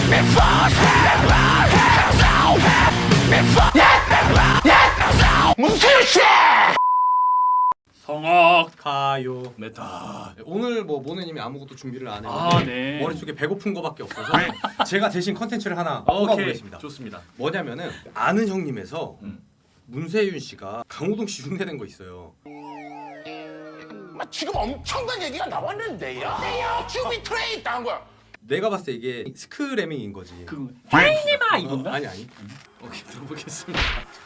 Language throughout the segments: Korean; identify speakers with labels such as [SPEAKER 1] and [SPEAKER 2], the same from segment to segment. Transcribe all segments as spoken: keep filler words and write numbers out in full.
[SPEAKER 1] 문세윤씨!
[SPEAKER 2] 성악
[SPEAKER 3] 가요.
[SPEAKER 2] 메타.
[SPEAKER 3] 오늘 뭐 모네님이 아무것도 준비를 안 했는데
[SPEAKER 2] 아, 네.
[SPEAKER 3] 머릿속에 배고픈 거밖에 없어서 제가 대신 컨텐츠를 하나
[SPEAKER 2] 오케이.
[SPEAKER 3] 뽑아보겠습니다.
[SPEAKER 2] 좋습니다.
[SPEAKER 3] 뭐냐면은 아는 형님에서
[SPEAKER 2] 음.
[SPEAKER 3] 문세윤 씨가 강호동 씨 흉내낸 거 있어요.
[SPEAKER 1] 지금 엄청난 얘기가 나왔는데요. 네요. 큐비 트레이 당한 거야.
[SPEAKER 3] 내가 봤을 때 이게 스크래밍인 거지.
[SPEAKER 2] 그거 혜인이마 이건가?
[SPEAKER 3] 어, 아니 아니.
[SPEAKER 2] 오케이 들어보겠습니다.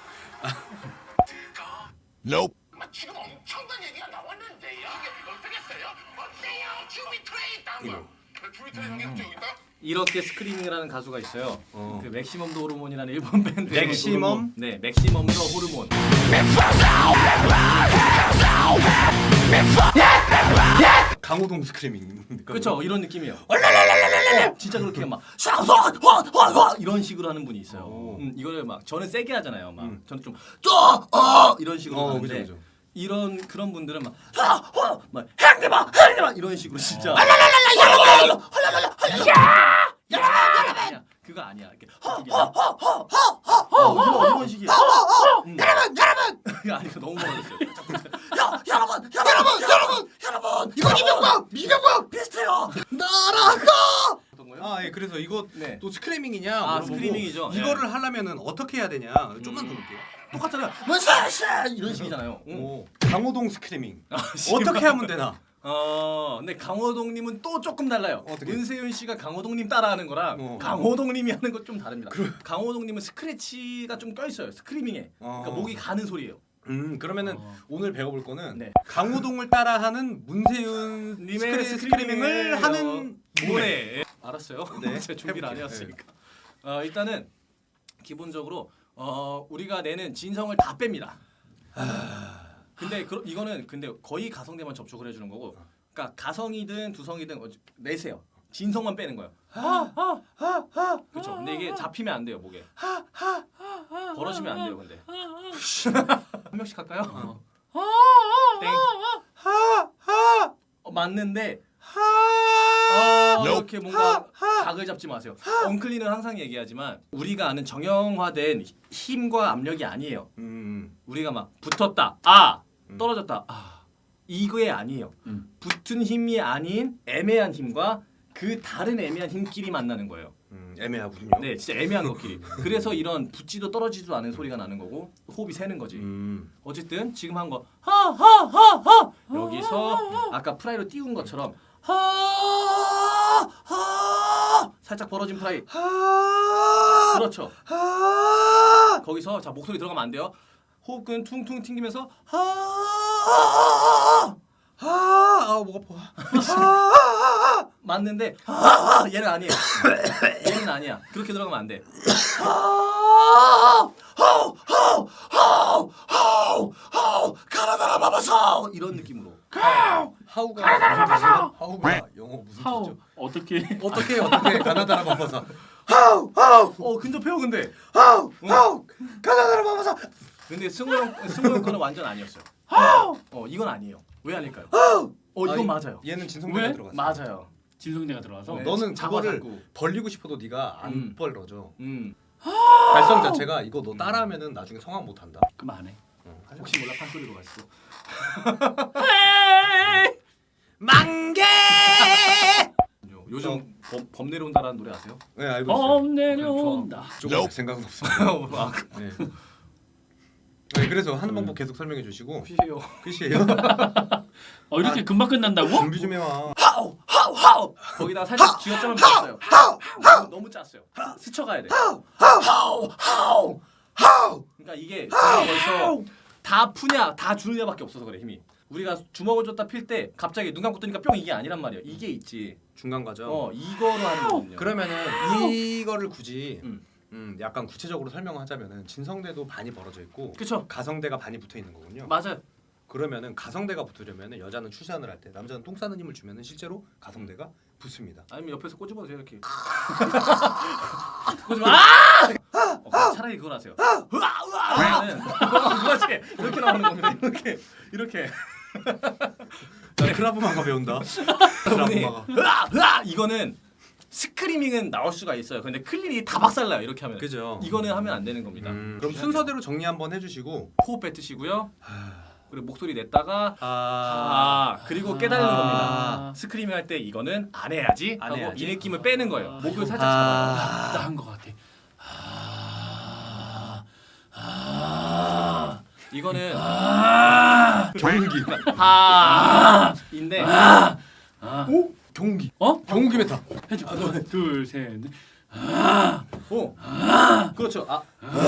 [SPEAKER 1] Nope. 지금 엄청난 얘기가 나왔는데요. 이게 어떻게 써요? 어때요? 큐비 트레이 당한 거야. 큐비 트레이 당한 게 여기 있다.
[SPEAKER 2] 이렇게 스크리밍이라는 가수가 있어요.
[SPEAKER 3] 어.
[SPEAKER 2] 그 맥시멈 더 호르몬이라는 일본 밴드.
[SPEAKER 3] 맥시멈?
[SPEAKER 2] 네, 맥시멈 더 호르몬.
[SPEAKER 3] 강호동 스크래밍.
[SPEAKER 2] 그렇죠, 이런 느낌이에요. 어, 진짜 그렇게 막 샤샤화화화 이런 식으로 하는 분이 있어요.
[SPEAKER 3] 오.
[SPEAKER 2] 음, 이거를 막 저는 세게 하잖아요. 막
[SPEAKER 3] 음.
[SPEAKER 2] 저는 좀쪼어 이런 식으로
[SPEAKER 3] 어,
[SPEAKER 2] 하는데
[SPEAKER 3] 그죠, 그죠.
[SPEAKER 2] 이런 그런 분들은 막 샤화 막 행리마 행리마 이런 식으로 진짜. 야 그거 아니야. 이렇게 허허허허허 이런 식이야. 여러분 여러분 이거 아니고 너무 멀었어요. 야 여러분 여러분 여러분 여러분 이거 이명박 미명박 비슷해요. 나라가
[SPEAKER 3] 아, 예. 그래서 이거
[SPEAKER 2] 네.
[SPEAKER 3] 또 스크래밍이냐?
[SPEAKER 2] 아,
[SPEAKER 3] 물어보고
[SPEAKER 2] 스크래밍이죠.
[SPEAKER 3] 이거를
[SPEAKER 2] 예.
[SPEAKER 3] 하려면은 어떻게 해야 되냐? 좀만 더 볼게요.
[SPEAKER 2] 똑같잖아요. 문세씨 이런 식이잖아요. 응.
[SPEAKER 3] 오, 강호동 스크래밍.
[SPEAKER 2] 아,
[SPEAKER 3] 어떻게 하면 되나?
[SPEAKER 2] 어, 근데 강호동님은 또 조금 달라요.
[SPEAKER 3] 어떻게?
[SPEAKER 2] 문세윤 씨가 강호동님 따라하는 거랑
[SPEAKER 3] 어.
[SPEAKER 2] 강호동님이 하는 것 좀 다릅니다. 강호동님은 스크래치가 좀 껴 있어요. 스크리밍에. 그러니까
[SPEAKER 3] 어.
[SPEAKER 2] 목이 가는 소리예요.
[SPEAKER 3] 음, 그러면은
[SPEAKER 2] 어.
[SPEAKER 3] 오늘 배워볼 거는
[SPEAKER 2] 네.
[SPEAKER 3] 강호동을 따라하는 문세윤
[SPEAKER 2] 님의
[SPEAKER 3] 스크래, 스크래밍을 하는 노래.
[SPEAKER 2] 노래. 알았어요.
[SPEAKER 3] 네,
[SPEAKER 2] 제가 준비를 안
[SPEAKER 3] 해볼게요.
[SPEAKER 2] 해왔으니까. 어, 일단은 기본적으로 어, 우리가 내는 진성을 다 뺍니다. 근데 그, 이거는 근데 거의 가성대만 접촉을 해주는 거고, 그러니까 가성이든 두성이든 어, 내세요. 진성만 빼는 거예요. 그렇죠. 근데 이게 잡히면 안 돼요 목에. 벌어지면 안 돼요. 근데 한 명씩 할까요? 어. 땡. 어, 맞는데 어, 이렇게 뭔가 각을 잡지 마세요. 엉클리는 항상 얘기하지만 우리가 아는 정형화된 힘과 압력이 아니에요.
[SPEAKER 3] 음,
[SPEAKER 2] 우리가 막 붙었다, 아 떨어졌다, 아 이거에 아니에요.
[SPEAKER 3] 음.
[SPEAKER 2] 붙은 힘이 아닌 애매한 힘과 그 다른 애매한 힘끼리 만나는 거예요.
[SPEAKER 3] 음, 애매하군요.
[SPEAKER 2] 네, 진짜 애매한 것끼리. 그래서 이런 붙지도 떨어지지도 않은 소리가 나는 거고 호흡이 새는 거지.
[SPEAKER 3] 음,
[SPEAKER 2] 어쨌든 지금 한 거 하하하하 여기서 아까 프라이로 띄운 것처럼 하하 살짝 벌어진 프라이.
[SPEAKER 3] 하,
[SPEAKER 2] 그렇죠.
[SPEAKER 3] 하,
[SPEAKER 2] 거기서 자 목소리 들어가면 안 돼요. 호흡근 퉁퉁 튕기면서 하하하
[SPEAKER 3] 하, 아, 목 아파. 하,
[SPEAKER 2] 맞는데 하하 얘는 아니에요. 얘는 아니야. 그렇게 들어가면 안 돼. 가나다라 바바사 이런 느낌으로.
[SPEAKER 3] 하우가 무슨 뜻이야? 하우가 영어 무슨
[SPEAKER 4] 하우
[SPEAKER 3] 뜻이죠?
[SPEAKER 4] 어떻게
[SPEAKER 3] 어떻게 어떻게 가나다라 바빠서
[SPEAKER 2] 어 근접해요 근데.
[SPEAKER 3] 하우 하우 가나다라 바빠서
[SPEAKER 2] 근데 승우 형 승우 형 거는 완전 아니었어요. 어 이건 아니에요. 왜 아닐까요? 어 이건 맞아요.
[SPEAKER 3] 얘는 진성대가
[SPEAKER 4] 왜?
[SPEAKER 3] 들어갔어.
[SPEAKER 2] 맞아요.
[SPEAKER 4] 진성대가 들어와서
[SPEAKER 2] 네.
[SPEAKER 3] 너는
[SPEAKER 2] 잡아
[SPEAKER 3] 그거를
[SPEAKER 2] 잡고.
[SPEAKER 3] 벌리고 싶어도 네가 안
[SPEAKER 2] 음.
[SPEAKER 3] 벌러져.
[SPEAKER 2] 음
[SPEAKER 3] 발성 자체가 이거 너 따라하면은 나중에 성악 못 한다.
[SPEAKER 4] 그럼 안 해.
[SPEAKER 3] 어, 하지 마.
[SPEAKER 2] 혹시 몰라 판소리로 갔어.
[SPEAKER 3] 만개.
[SPEAKER 2] 요즘 범, 범 내려온다라는 노래 아세요?
[SPEAKER 3] 네 알고 있어요.
[SPEAKER 4] 범 내려온다.
[SPEAKER 3] 조금 생각은 없어.
[SPEAKER 2] 아,
[SPEAKER 3] 네. 네, 그래서 하는 방법 계속 설명해 주시고
[SPEAKER 2] 피해요.
[SPEAKER 3] 끝이에요.
[SPEAKER 4] 어 이렇게
[SPEAKER 3] 아,
[SPEAKER 4] 금방 끝난다고?
[SPEAKER 3] 준비 좀 해와.
[SPEAKER 2] 하우 하우 하우 거기다가 살짝 쥐어짜면 됐어요. 너무, 너무 짰어요. 스쳐가야 돼. 하우 하우 하우 그러니까 이게 우리가 벌써 다 푸냐 다 주느냐밖에 없어서 그래 힘이. 우리가 주먹을 줬다 필 때 갑자기 눈 감고 뜨니까 뿅 이게 아니란 말이야. 이게 있지.
[SPEAKER 3] 중간 과정.
[SPEAKER 2] 어 이거로 하는 거거든요.
[SPEAKER 3] 그러면은 이거를 굳이
[SPEAKER 2] 음.
[SPEAKER 3] 음, 약간 구체적으로 설명하자면은 진성대도 반이 벌어져 있고
[SPEAKER 2] 그쵸.
[SPEAKER 3] 가성대가 반이 붙어 있는 거군요.
[SPEAKER 2] 맞아요.
[SPEAKER 3] 그러면은 가성대가 붙으려면은 여자는 출산을 할 때 남자는 똥 싸는 힘을 주면은 실제로 가성대가 붙습니다.
[SPEAKER 2] 아니면 옆에서 꼬집어도 돼요 이렇게. 꼬집어. 아! 어, 차라리 그걸 하세요. 그러면은 그렇지 이렇게 나오는 겁니다. 이렇게 이렇게.
[SPEAKER 3] 나 크라브마가 배운다.
[SPEAKER 2] 여러분이
[SPEAKER 3] 크라브마가.
[SPEAKER 2] 으아! 으아! 이거는 스크리밍은 나올 수가 있어요. 근데 클린이 다 박살나요. 이렇게 하면.
[SPEAKER 3] 그죠.
[SPEAKER 2] 이거는 하면 안 되는 겁니다.
[SPEAKER 3] 음, 그럼 순서대로 정리 한번 해주시고.
[SPEAKER 2] 호흡 뱉으시고요. 그리고 목소리 냈다가
[SPEAKER 3] 아,
[SPEAKER 2] 아 그리고 깨달는
[SPEAKER 4] 아.
[SPEAKER 2] 겁니다. 스크리밍 할 때 이거는 안 해야지
[SPEAKER 3] 안
[SPEAKER 2] 하고
[SPEAKER 3] 해야지.
[SPEAKER 2] 이 느낌을 빼는 거예요.
[SPEAKER 4] 아,
[SPEAKER 2] 목을
[SPEAKER 4] 이거-
[SPEAKER 2] 살짝 잡아요.
[SPEAKER 4] 나한 것 같아. 아, 아,
[SPEAKER 2] 이거는
[SPEAKER 4] 아,
[SPEAKER 3] 경기.
[SPEAKER 2] 하인데
[SPEAKER 4] 아,
[SPEAKER 3] 오 경기.
[SPEAKER 4] 어?
[SPEAKER 3] 경기 메타.
[SPEAKER 4] 해줘. 둘, 셋, 넷.
[SPEAKER 2] 오 그렇죠. 아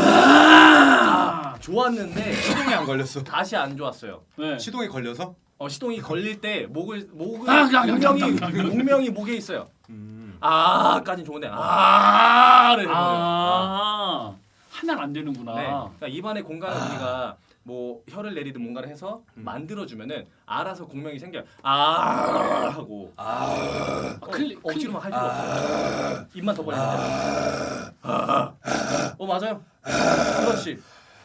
[SPEAKER 4] 아,
[SPEAKER 2] 좋았는데
[SPEAKER 3] 시동이 안 걸렸어.
[SPEAKER 2] 다시 안 좋았어요.
[SPEAKER 4] 네.
[SPEAKER 3] 시동이 걸려서?
[SPEAKER 2] 어 시동이 걸릴 때 목을 목을
[SPEAKER 4] 아, 야, 야,
[SPEAKER 2] 공명이
[SPEAKER 4] 야, 야, 야, 야.
[SPEAKER 2] 공명이 목에 있어요.
[SPEAKER 3] 음.
[SPEAKER 2] 아까진 좋은데 아를 해버려요. 아.
[SPEAKER 4] 아, 하면 안 되는구나.
[SPEAKER 2] 네. 그러니까 입안의 공간을 우리가 뭐 혀를 내리든 뭔가를 해서
[SPEAKER 3] 음.
[SPEAKER 2] 만들어주면은 알아서 공명이 생겨요. 아 하고
[SPEAKER 3] 아.
[SPEAKER 2] 어,
[SPEAKER 4] 클리-
[SPEAKER 2] 억지로만 할 필요 없어요. 입만 더 벌리면 돼요. 아. 어 맞아요. 그렇지.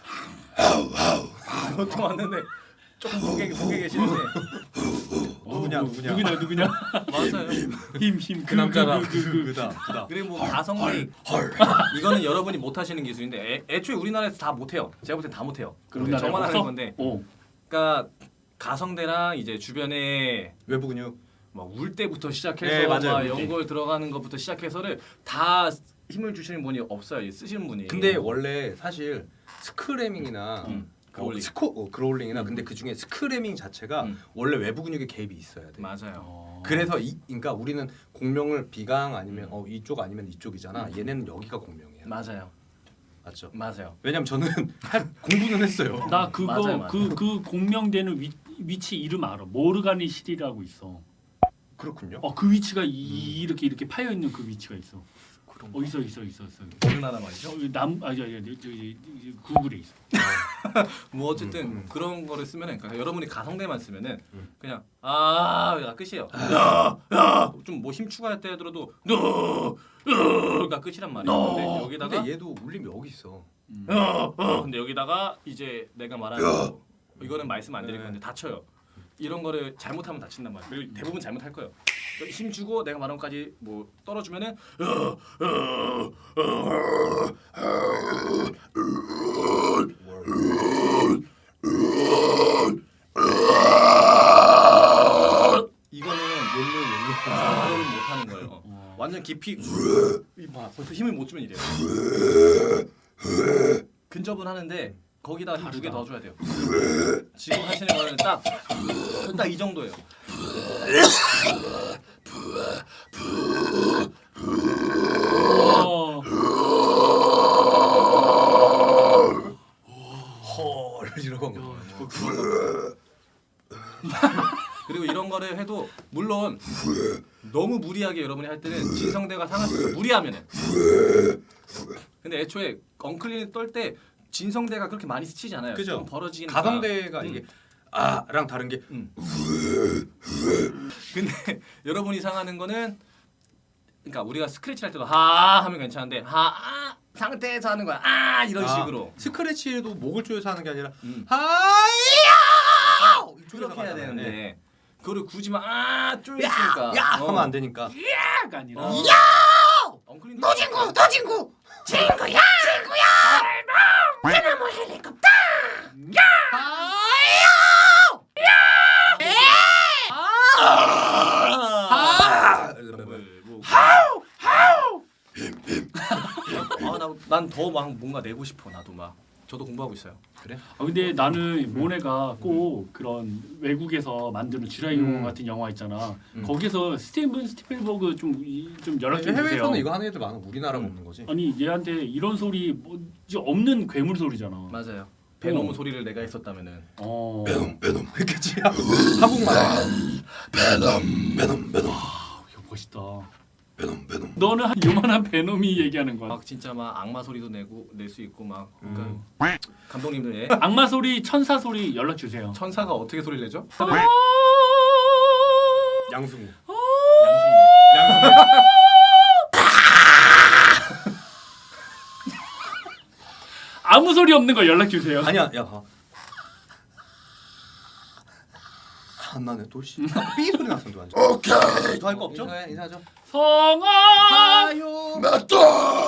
[SPEAKER 2] 보통 왔는데 조금 목에 목에 계시는데
[SPEAKER 3] 누구냐,
[SPEAKER 4] 어,
[SPEAKER 3] 누구냐.
[SPEAKER 4] 누구냐 누구냐.
[SPEAKER 2] 맞아요.
[SPEAKER 4] 힘, 힘.
[SPEAKER 3] 그 남자라.
[SPEAKER 4] 그, 그, 그, 그.
[SPEAKER 3] 그다. 그다.
[SPEAKER 2] 그리고 뭐 가성비 이거는 여러분이 못 하시는 기술인데 애, 애초에 우리나라에서 다 못해요. 제가 볼 때 다 못해요.
[SPEAKER 4] 우리나라에
[SPEAKER 2] 저만 하는
[SPEAKER 4] 없어?
[SPEAKER 2] 건데.
[SPEAKER 4] 어.
[SPEAKER 2] 그러니까 가성대랑 이제 주변에
[SPEAKER 3] 외부 근육.
[SPEAKER 2] 막 울 때부터 시작해서
[SPEAKER 3] 네, 맞아요.
[SPEAKER 2] 막
[SPEAKER 3] 울 때.
[SPEAKER 2] 연골 들어가는 것부터 시작해서를 다 힘을 주시는 분이 없어요. 이 쓰시는 분이.
[SPEAKER 3] 근데 원래 사실 스크래밍이나
[SPEAKER 2] 음,
[SPEAKER 3] 어,
[SPEAKER 2] 그롤링.
[SPEAKER 3] 스코 어, 그롤링이나
[SPEAKER 2] 음.
[SPEAKER 3] 근데 그 중에 스크래밍 자체가
[SPEAKER 2] 음.
[SPEAKER 3] 원래 외부 근육에 개입이 있어야 돼.
[SPEAKER 2] 맞아요.
[SPEAKER 4] 어.
[SPEAKER 3] 그래서 이 그러니까 우리는 공명을 비강 아니면
[SPEAKER 2] 음.
[SPEAKER 3] 어 이쪽 아니면 이쪽이잖아. 얘네는 여기가 공명이야.
[SPEAKER 2] 맞아요.
[SPEAKER 3] 맞죠?
[SPEAKER 2] 맞아요.
[SPEAKER 3] 왜냐면 저는 할 공부는 했어요.
[SPEAKER 4] 나 그거
[SPEAKER 2] 맞아요, 맞아요.
[SPEAKER 4] 그 그 공명되는 위, 위치 이름 알아. 모르가니실이라고 있어.
[SPEAKER 3] 그렇군요.
[SPEAKER 4] 어 그 위치가 이, 이렇게 이렇게 파여 있는 그 위치가 있어. 어 있어 있어 있어 있어.
[SPEAKER 2] 어느 나라 말이죠?
[SPEAKER 4] 남 아니 아니 아니, 저기 저기 구글에 있어.
[SPEAKER 2] 뭐 어쨌든
[SPEAKER 3] 음, 음.
[SPEAKER 2] 그런 거를 쓰면은 그러니까 여러분이 가성대만 쓰면은
[SPEAKER 3] 음.
[SPEAKER 2] 그냥 아가 끝이에요. 야야좀 뭐 힘 추가할 때 들어도 너가 끝이란 말이에요. 근데 여기다가
[SPEAKER 3] 근데 얘도 울림이 여기 있어.
[SPEAKER 4] 음.
[SPEAKER 2] 어, 근데 여기다가 이제 내가 말하는 거 이거는 말씀 안 드릴
[SPEAKER 3] 네.
[SPEAKER 2] 건데 다쳐요. 이런 거를 잘못하면 다친단 말이에요. 그리고 대부분 잘못할 거예요. 힘 주고 내가 말한 것까지 뭐 떨어주면은 이거는 욜료 욜료 그거를 못 하는 거예요.
[SPEAKER 4] 어.
[SPEAKER 2] 완전 깊이 봐 벌써 힘을 못 주면 이래요. 근접은 하는데 거기다 힘 두 개
[SPEAKER 4] 다르다.
[SPEAKER 2] 더 줘야 돼요. 지금 하시는 거는 딱 딱 이 정도예요.
[SPEAKER 4] 어.
[SPEAKER 3] 헐 이러고.
[SPEAKER 2] 그리고 이런 거를 해도 물론 너무 무리하게 여러분이 할 때는 진성대가 상할 수 있어요. 무리하면은. 근데 애초에 엉클린을 떨 때 진성대가 그렇게 많이 스치지 않아요.
[SPEAKER 3] 그죠.
[SPEAKER 2] 좀 벌어지니까.
[SPEAKER 3] 가성대가
[SPEAKER 2] 음.
[SPEAKER 3] 이게 아랑 다른 게
[SPEAKER 2] 음. 근데 여러분이 상하는 거는 그러니까 우리가 스크래치 할 때도 하 하면 괜찮은데 하 상태에서 하는 거야. 아 이런
[SPEAKER 3] 아,
[SPEAKER 2] 식으로.
[SPEAKER 3] 스크래치에도 목을 조여서 하는 게 아니라
[SPEAKER 2] 음.
[SPEAKER 3] 하야
[SPEAKER 2] 그렇게 해야
[SPEAKER 3] 가잖아요.
[SPEAKER 2] 되는데
[SPEAKER 3] 네.
[SPEAKER 2] 그거를 굳이 막아 쪼였으니까.
[SPEAKER 3] 야 하면 안 되니까.
[SPEAKER 4] 가 아니라.
[SPEAKER 2] 어. 엉클린
[SPEAKER 1] 너 친구, 너 친구, 친구야, 친구야. 대나무 헬리콥터.
[SPEAKER 3] 아!
[SPEAKER 2] 아난더 막 뭔가 내고 싶어 나도 막 저도 공부하고 있어요.
[SPEAKER 3] 그래?
[SPEAKER 4] 아, 근데 나는 모네가 꼭 그런 외국에서 만드는 쥐라이
[SPEAKER 3] 음.
[SPEAKER 4] 영화 같은 영화 있잖아.
[SPEAKER 3] 음.
[SPEAKER 4] 거기서 스티븐 스티플버그 좀 좀 연락 좀 주세요.
[SPEAKER 3] 해외에서는 이거 하는 애들 많아. 우리나라가
[SPEAKER 2] 음.
[SPEAKER 3] 없는 거지.
[SPEAKER 4] 아니 얘한테 이런 소리 뭐 이제 없는 괴물 소리잖아.
[SPEAKER 2] 맞아요. 베놈
[SPEAKER 4] 어.
[SPEAKER 2] 소리를 내가 했었다면은
[SPEAKER 4] 어.
[SPEAKER 3] 그치? 한국말.
[SPEAKER 4] 아, 이거 멋있다. 너는 한 요만한 베놈이 얘기하는 거야.
[SPEAKER 2] 막 진짜 막 악마 소리도 내고 낼 수 있고 막 그러니까
[SPEAKER 3] 음.
[SPEAKER 2] 감독님들 예.
[SPEAKER 4] 악마 소리, 천사 소리 연락 주세요.
[SPEAKER 2] 천사가 어떻게 소리를 내죠?
[SPEAKER 3] 양승우.
[SPEAKER 2] 양승네.
[SPEAKER 3] 양승우.
[SPEAKER 4] 아무 소리 없는 거 연락 주세요.
[SPEAKER 3] 아니야, 야 봐. 안 나네 돌씨. 삐 소리 났었는데 완전.
[SPEAKER 1] 오케이.
[SPEAKER 2] 더 할 거 없죠?
[SPEAKER 3] 인사해, 인사하죠.
[SPEAKER 4] 성아
[SPEAKER 2] 가요.
[SPEAKER 1] 맞다.